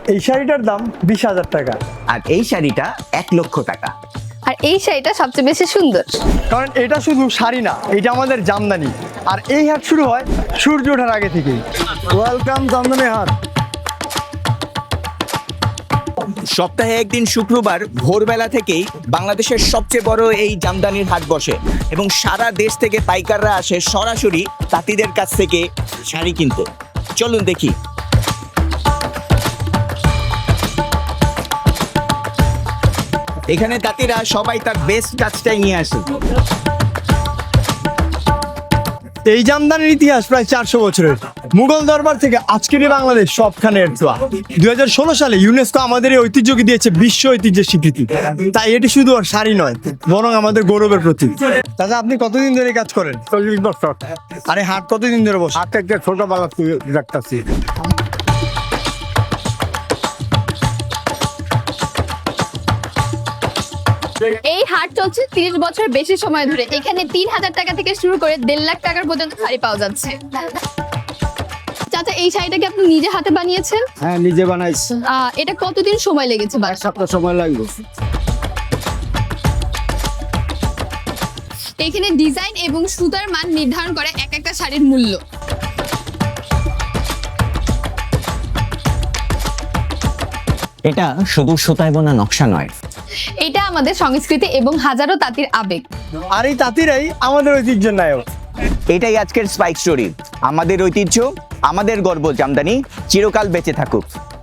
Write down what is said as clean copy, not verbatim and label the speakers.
Speaker 1: এই শাড়িটার দাম 20,000 টাকা।
Speaker 2: আর এই শাড়িটা 1,00,000 টাকা।
Speaker 3: আর এই শাড়িটা সবচেয়ে বেশি সুন্দর।
Speaker 1: কারণ এটা শুধু শাড়ি না, এটা আমাদের জামদানি। আর এই হাট শুরু হয় সূর্য ওঠার আগে থেকেই। ওয়েলকাম জামদানি হাট।
Speaker 2: সপ্তাহে একদিন শুক্রবার ভোরবেলা থেকেই বাংলাদেশের সবচেয়ে বড় এই জামদানির হাট বসে এবং সারা দেশ থেকে পাইকাররা আসে সরাসরি তাঁতিদের কাছ থেকে শাড়ি কিনতে। চলুন দেখি। এখানে তাঁতিরা সবাই তার বেস্ট কাজটাই নিয়ে আসে।
Speaker 1: এই জামদানির ইতিহাস প্রায় 400 বছরের। মুঘল দরবার থেকে আজকের এই বাংলাদেশ সবখানে এর ছোঁয়া। 2016 সালে ইউনেস্কো আমাদের এই ঐতিহ্যকে দিয়েছে বিশ্ব ঐতিহ্যের স্বীকৃতি। তাই এটি শুধু আর শাড়ি নয়, বরং আমাদের গৌরবের প্রতীক। দাদা, আপনি কতদিন ধরে কাজ করেন?
Speaker 4: 40 বছর।
Speaker 1: আরে হাট কতদিন ধরে বসে?
Speaker 4: হাতে একটা ছোটবেলা দেখতেছি।
Speaker 3: এই হাট চলছে 30 বছর বেশি সময় ধরে। এখানে 3,000 টাকা থেকে শুরু করে 1.5 লাখ টাকার পর্যন্ত শাড়ি পাওয়া যাচ্ছে। চাচা, এই শাড়িটা কি আপনি নিজে হাতে বানিয়েছেন?
Speaker 4: হ্যাঁ, নিজে বানাইছি।
Speaker 3: এটা কতদিন সময় লেগেছে?
Speaker 4: এক সপ্তাহ সময় লাগবে।
Speaker 3: এখানে ডিজাইন এবং সুতার মান নির্ধারণ করে এক একটা শাড়ির মূল্য।
Speaker 2: এটা শুধু সুতায় বোনা নকশা নয়,
Speaker 3: এটা আমাদের সংস্কৃতি এবং হাজারো তাঁতির আবেগ।
Speaker 1: আর এই তাঁতিরাই আমাদের ঐতিহ্যের নায়ক।
Speaker 2: এটাই আজকের স্পাইক স্টোরি। আমাদের ঐতিহ্য, আমাদের গর্ব জামদানি চিরকাল বেঁচে থাকুক।